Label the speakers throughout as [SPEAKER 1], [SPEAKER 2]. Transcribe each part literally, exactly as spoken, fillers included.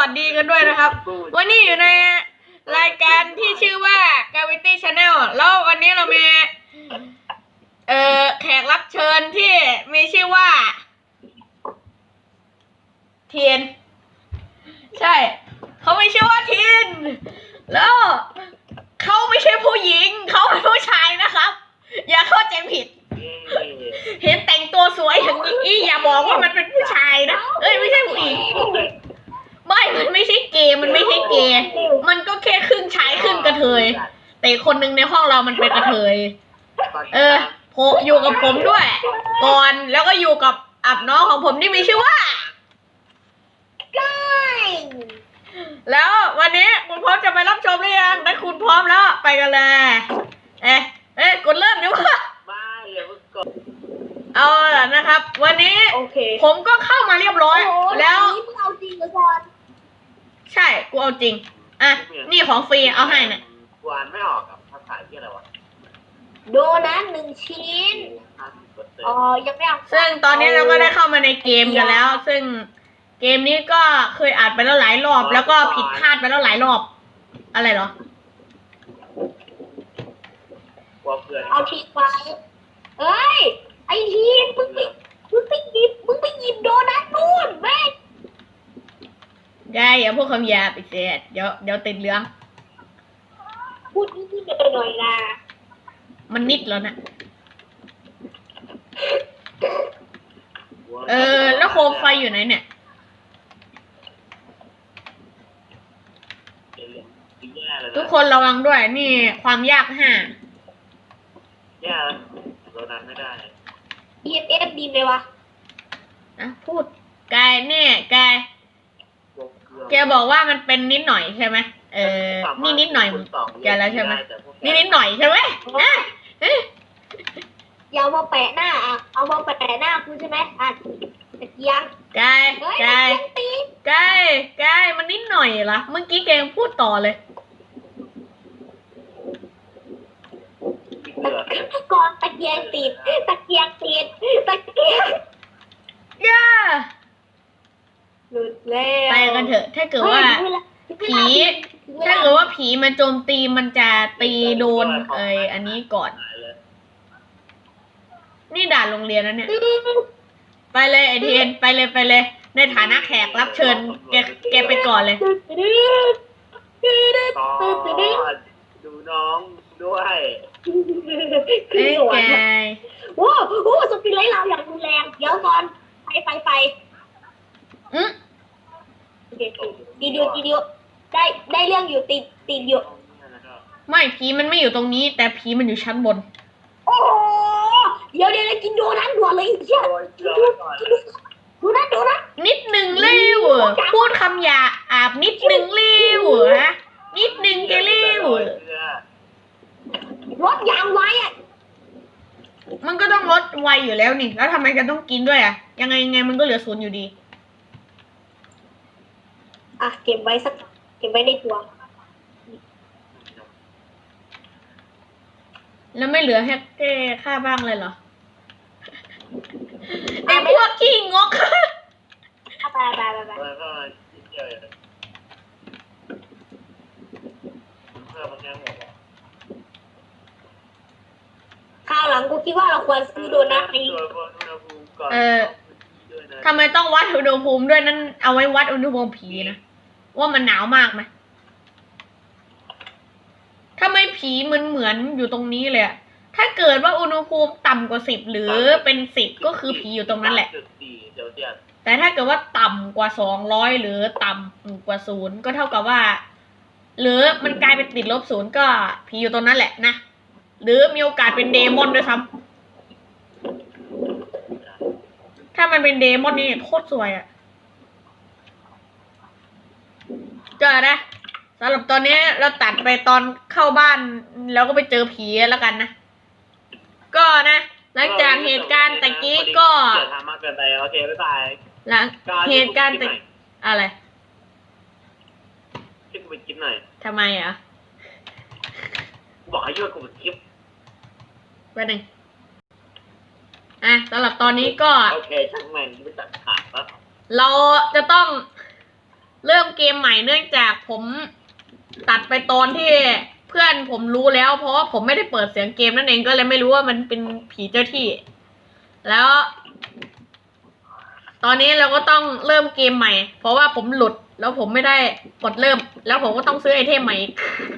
[SPEAKER 1] วัสดีกันด้วยนะครับวันนี้อยู่ในรายการที่ชื่อว่า Gravity Channel แล้ววันนี้เรามีเอ่อแขกรับเชิญที่มีชื่อว่าเทียนใช่เขาไม่ชื่อว่าเทียนแล้วเขาไม่ใช่ผู้หญิงเขาเป็นผู้ชายนะครับอย่าเข้าใจผิดเห็นแต่งตัวสวยอย่างนี้อย่าบอกว่ามันเป็นผู้ชายนะเอ้ยไม่ใช่ผู้หญิงไม่มันไม่ใช่เกย์มันไม่ใช่เกย์มันก็แค่ครึ่งชายครึ่งกระเทยแต่คนหนึ่งในห้องเรามันเป็นกระเทยเออโผอยู่กับผมด้วยก่อนแล้วก็อยู่กับอับน้องของผมที่มีชื่อว่าแล้ววันนี้คุณพร้อมจะไปรับชมหรือยังถ้าคุณพร้อมแล้วไปกันเลยเอ๊ะเอ๊ะกดเริ่มดีกว่า
[SPEAKER 2] ไม่อย่าเพิ่งกด
[SPEAKER 1] เอาล่ะนะครับวันนี้ผมก็เข้ามาเรียบร้อยแล้ว
[SPEAKER 3] มึงเอาจริงเหรอก่อน
[SPEAKER 1] ใช่กูเอาจริงอ่ะนี่ของฟรีเอาให้เนี่ย
[SPEAKER 2] กวนไม่ออกกับภาษาที่อะไรวะ
[SPEAKER 3] โดนัทหนึ่งชิ้นอ๋อยังไม่เอา
[SPEAKER 1] ซึ่งตอนนี้เราก็ได้เข้ามาในเกมกันแล้วซึ่งเกมนี้ก็เคยอ่านไปแล้วหลายรอบแล้วก็ผิดพลาดไปแล้วหลายรอบอะไรเหรอ
[SPEAKER 3] เอาทิ้งไว้เอ้ยไอ้ทีมมึงไปมึงไปหยิบมึงไปหยิบโดนัทนู่นแม่
[SPEAKER 1] ได้อย่าพูดคำหยาบอีกเสียเดี๋ยวเดี๋ยวติดเรื่อง
[SPEAKER 3] พูดนิดๆหน่อยๆนะ
[SPEAKER 1] มันนิดแล้วนะเออแล้วโคมไฟอยู่ไหนเนี่ยทุกคนระวังด้วยนี่ความยากห้า
[SPEAKER 2] แย่แล้วโดนัทไม่ได้
[SPEAKER 3] อี เอฟ เอฟ ดีไหมวะ
[SPEAKER 1] นะพูดกายเนี่ยกายแกบอกว่ามันเป็นนิดหน่อยใช่ไหมเออนี่นิดหน่อยแกแล้วใช่ไหมนี่นิดหน่อยใช่ไหม
[SPEAKER 3] อย่าเอามาแปะหน้าอ่ะเอามาแปะหน้าคุณใช่ไหมอ่ะตะเกียง
[SPEAKER 1] กายกายกายกายมันนิดหน่อยเหรอเมื่อกี้แกยังพูดต่อเลย
[SPEAKER 3] ก่อนตะเกียงติดตะเกียงติดตะเกียง
[SPEAKER 1] ย่า
[SPEAKER 3] หลุดแล้ว
[SPEAKER 1] ไปกันเถอะถ้าเกิดว่าผีถ้าเกิดว่าผีมันโจมตีมันจะตีโดนเอ้ยอันนี้ก่อนนี่ด่านโรงเรียนนะเนี่ยไปเลยไอเทียนไปเลยไปเลยในฐานะแขกรับเชิญแกแกไปก่อนเลย
[SPEAKER 2] ดูน้องด้วย
[SPEAKER 1] เอ้ยแก
[SPEAKER 3] โอ้โหสปินไลท์เราอย่างรุนแรงเดี๋ยวก่อนไปไปไป
[SPEAKER 1] อืม
[SPEAKER 3] ดีเดียวดีเดียวได้ได้เรื่องอยู่ติดติดอยู่
[SPEAKER 1] ไม่ผีมันไม่อยู่ตรงนี้แต่ผีมันอยู่ชั้นบน
[SPEAKER 3] โอ้เดี๋ยวเดี๋ยวกินโดนัทด่วนเลยเชี่ยดูนะดูนะ
[SPEAKER 1] นิดหนึ่งเร็วพูดคำหยาอาบนิดหนึ่งเร็วฮะนิดหนึ่งแกเร็ว
[SPEAKER 3] รถยางไว้อะ
[SPEAKER 1] มันก็ต้องลดไวอยู่แล้วนี่แล้วทำไมกันต้องกินด้วยอ่ะยังไงยังไงมันก็เหลือศูนย์อยู่ดี
[SPEAKER 3] อ่ะเก็บไว้สักเก็บไว้ในตัว
[SPEAKER 1] แล้วไม่เหลือให้แก้ค่าบ้างเลยเหรอไอ้พวกขี้งก
[SPEAKER 3] ไปไปไปไปข้าวหลังกูคิดว่าเราควรซื้อโดนัทนี้
[SPEAKER 1] เออทำไมต้องวัดอุณหภูมิด้วยนั่นเอาไว้วัดอุณหภูมิผีนะว่ามันหนาวมากไหมทำไมผีมันเหมือนอยู่ตรงนี้เลยอะถ้าเกิดว่าอุณหภูมิต่ำกว่าสิบหรือเป็นสิบก็คือผีอยู่ตรงนั้นแหละแต่ถ้าเกิดว่าต่ำกว่าสองร้อยหรือต่ำกว่าศูนย์ก็เท่ากับว่าหรือมันกลายเป็นติดลบศูนย์ก็ผีอยู่ตรงนั้นแหละนะหรือมีโอกาสเป็นเดมอนด้วยซ้ำถ้ามันเป็นเดมอนนี่โคตรสวยอะก็นะสำหรับตอนนี้เราตัดไปตอนเข้าบ้านแล้วก็ไปเจอผีแล้วกันนะก็นะหลังจากเหตุการณ์ตะกี้ก็
[SPEAKER 2] ทำมากเกินไปโอเคบ๊ายบาย
[SPEAKER 1] หลังเหตุการณ์ตะอะไร
[SPEAKER 2] ช่วยกูไปคิดหน่อย
[SPEAKER 1] ทำไมอ่ะ
[SPEAKER 2] บอกให้ช่วยกูไปคิด
[SPEAKER 1] ไปหนึ่งอ่ะสำหรับตอนนี้ก็
[SPEAKER 2] โอเคช่างแม่งไม่ตัดขาดแล้ว
[SPEAKER 1] เราจะต้องเริ่มเกมใหม่เนื่องจากผมตัดไปตอนที่เพื่อนผมรู้แล้ว เพราะว่าผมไม่ได้เปิดเสียงเกมนั่นเองก็เลยไม่รู้ว่ามันเป็นผีเจ้าที่ แล้ว ตอนนี้เราก็ต้องเริ่มเกมใหม่ เพราะว่าผมหลุดแล้วผมไม่ได้กดเริ่ม แล้วผมก็ต้องซื้อไอเทมใหม่อีก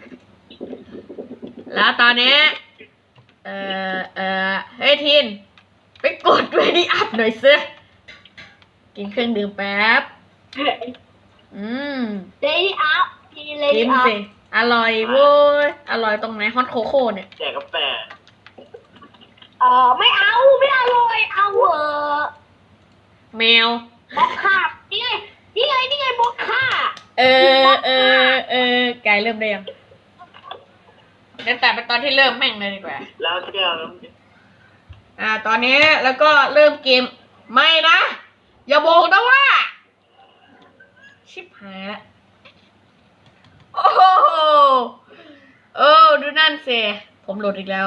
[SPEAKER 1] แล้วตอนนี้ เอ่อเอ่อเฮ้ยทินไปกดเวดีอัพหน่อยซิกินเครื่องดื่มแป๊บ อืม
[SPEAKER 3] เลดี้อัพทีเล
[SPEAKER 1] กิ
[SPEAKER 3] ดี้
[SPEAKER 1] น
[SPEAKER 3] อัพ
[SPEAKER 1] สิอร่อยเว้ยอร่อยตรงไหนฮอตโคโค่เนี่ย
[SPEAKER 2] แจกกาแฟ
[SPEAKER 3] เออไม่เอาไม่อร่อยเอาเออ
[SPEAKER 1] แมว
[SPEAKER 3] บล็อกค่านี่ไงนี่ไงนี่ไงบล็อกค่า
[SPEAKER 1] เออเออเออไก่เริ่มได้ยังเดี๋ยวแต่ไปตอนที่เริ่มแม่งเลยดีกว่า
[SPEAKER 2] แล้วแก้วน้ำ
[SPEAKER 1] อ่า ตอนนี้แล้วก็เริ่มเกมไม่นะ อย่าบอกนะว่า ชิบหายละโอ้โหเออดูนั่นสิผมโหลดอีกแล้ว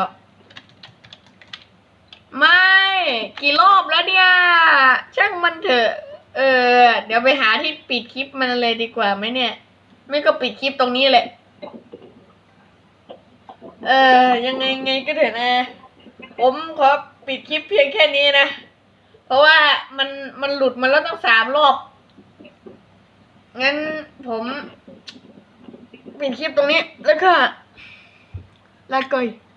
[SPEAKER 1] ไม่ กี่รอบแล้วเนี่ย ช่างมันเถอะ เออ เดี๋ยวไปหาที่ปิดคลิปมันเลยดีกว่าไหมเนี่ย ไม่ก็ปิดคลิปตรงนี้แหละ เออ ยังไงไงก็เถอะนะ ผมขอปิดคลิปเพียงแค่นี้นะ เพราะว่ามันมันหลุดมาแล้วตั้งสามรอบ งั้นผมปิดคลิปตรงนี้แล้วก็ลาก่อย